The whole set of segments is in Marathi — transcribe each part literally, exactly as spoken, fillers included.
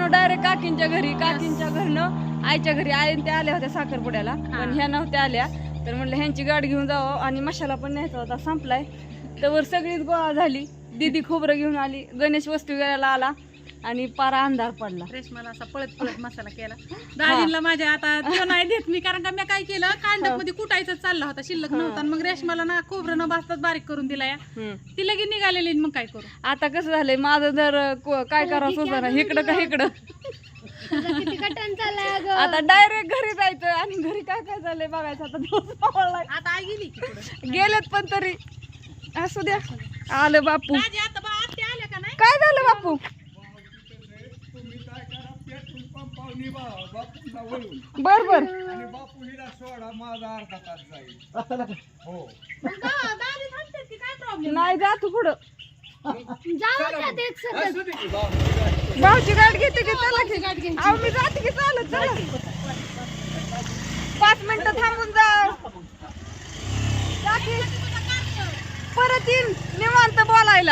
आलो डायरेक्ट काकींच्या घरी. काकींच्या घरनं आईच्या घरी. आई ते आल्या होत्या साखरपुड्याला पण ह्या नव्हत्या आल्या. तर म्हणलं ह्यांची गाडी घेऊन जावं आणि मशाला पण न्यायचा होता, संपलाय. तर सगळीच गोळा झाली. दीदी खोबरं घेऊन आली, गणेश वस्तू घ्यायला आला आणि पारा अंधार पडला. रेशमाला असा पळत पळत मसाला केला. दाजींना माझ्या आता तो नाही देत मी, कारण का मी काय केलं कांडप मध्ये कुटायचं चालला होता, शिल्लक नव्हता. मग रेशमाला ना खोबरं न भाजताच बारीक करून दिला या. ती लगेच निघालेली. मग काय करू आता कसं झालंय माझं, जर काय करावं सुचना इकडं का इकडं. आता डायरेक्ट घरी जायचं आणि घरी काय काय झालंय बघायचं. आता आता आई गेली की पुढं. गेलेत पण तरी असू द्या. आलं बापू. दाजी आता बा आत्या आल्या का नाही? काय झालं बापू? बर बर दाजी थांबतात की काय प्रॉब्लेम? नाही जा तू पुढं. भाऊची गाडी घेते की चला की. अहो मी जाते की चालत. चला पाच मिनिटं थांबून जा. परत येईन निवांत बोलायला.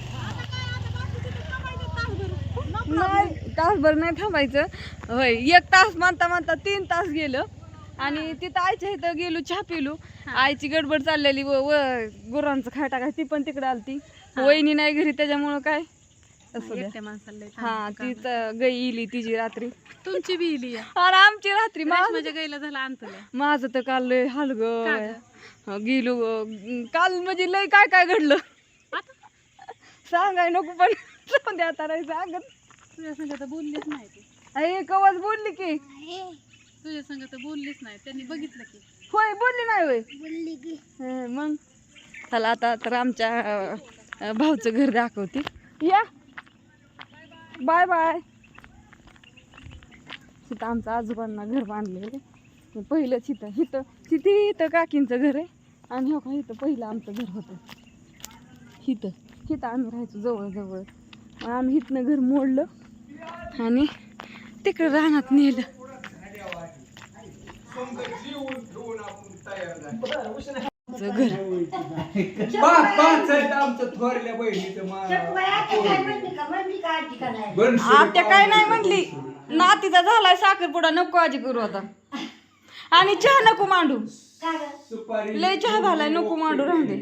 नाही तासभर नाही थांबायचं. होय एक तास म्हणता म्हणता तीन तास गेलं. आणि तिथं आईच्या इथं गेलो, चहा पिलो. आईची गडबड चाललेली व गुरांचं खाय टाकाय ती पण तिकडे आलती. वहिनी नाही घरी त्याच्यामुळं काय असं एकट्या माणसाला लय हा ती गाई इली तिची रात्री. तुमची बी इली या. अरे आमची रात्री माझ्या गाईला झाला अंतलय. माझं तर काल लय हलग गेलो काल. म्हणजे लय काय काय घडलं सांगाय नको पण जाऊन द्या आता. नाही सांगत. तुझ्या संग तर बोललीच नाही ती. अरे कवाच बोलली की. तुझ्या संग तर बोललीच नाही. त्यांनी बघितलं की. होय बोलली नाही होय. बोलली की. मग चला आता तर आमच्या भाऊचं घर दाखवते. या बाय बाय. तिथं आमचं आजोबांना घर बांधलेलं पहिलंच. इथं इथं तिथे इथं काकींचं घर आहे. आणि हो का इथं पहिलं आमचं घर होतं. इथं इथं आम्ही राहायचो जवळजवळ. मग आम्ही इथनं घर मोडलं आणि तिकडे रानात नेलं. घर आत्या काय नाही म्हणली. नातीचा झालाय साखरपुडा नको काळजी करू आता. आणि चहा नको मांडू. लय चहा झालाय नको मांडू. राहू दे.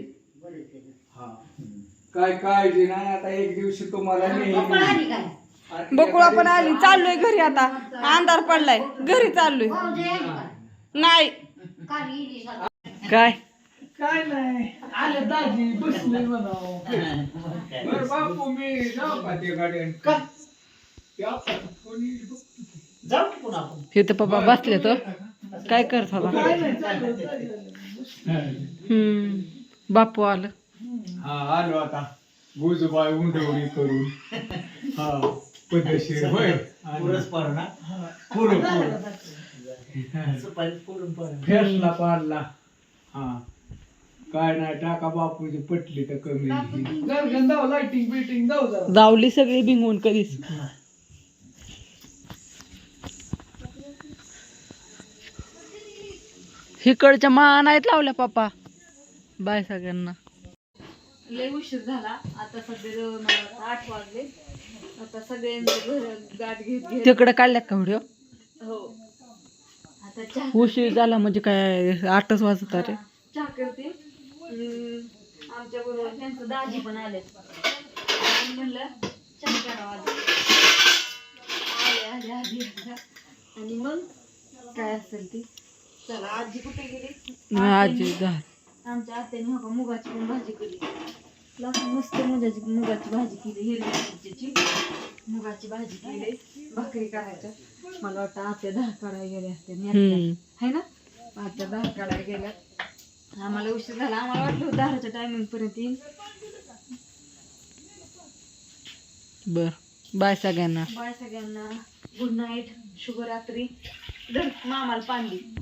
काय काळजी नाही. आता एक दिवशी तुम्हाला बकुळा पण आली. चाललोय घरी आता. अंधार पडलाय. घरी चाललोय. नाही काय काय नाही आले दाजी बसले म्हणावं. बरं बापू मी जाऊ का ते गाड्यान का जाऊ की पुन्हा आपण. हे तर पप्पा बसले तर काय करत होता. हम्म बापू आलं. हा आलो आता. गुजबाई उंडवणी करून हा पद्धतशीर होय. पुरस्कार ना पुरं पुरं फेसला पाडला. हा काय नाही टाका बापूची पटली तर कमी. लाइटिंग बिटिंग जाऊ जरा. जावली सगळी भिंगून कधीच. इकडच्या मा नाहीत लावल्या पप्पा. बाय सगळ्यांना. लय उशीर झाला. आता सध्या मला आठ वाजले. आता सगळ्यांचं घर गाठ घेत घेत तिकडे काढल्यात का व्हिडिओ. हो आता चहा उशीर झाला म्हणजे काय आठच वाजत रे. चहा करते. आमच्या बरोबर त्यांचं दाजी पण आले. म्हणलं चहा करावा आले आले आधी आणि मग काय असेल ती. चला आजी कुठे गेली. आजी आमच्या आत्याने हो का मुगाची पण भाजी केली. मस्त मुगाची मुगाची भाजी केली. हिरव्या मिरचीची मुगाची भाजी केली. भाकरी करायच्या. मला वाटतं आत्या दहा काढायला गेल्या असते है ना. आत्या दहा काढायला गेल्या. आम्हाला उशीर झाला. आम्हाला वाटलं दहाच्या टायमिंग पर्यंत येईल. बर बाय सगळ्यांना. बाय सगळ्यांना. Good night. शुभरात्री. मामाला पाणी.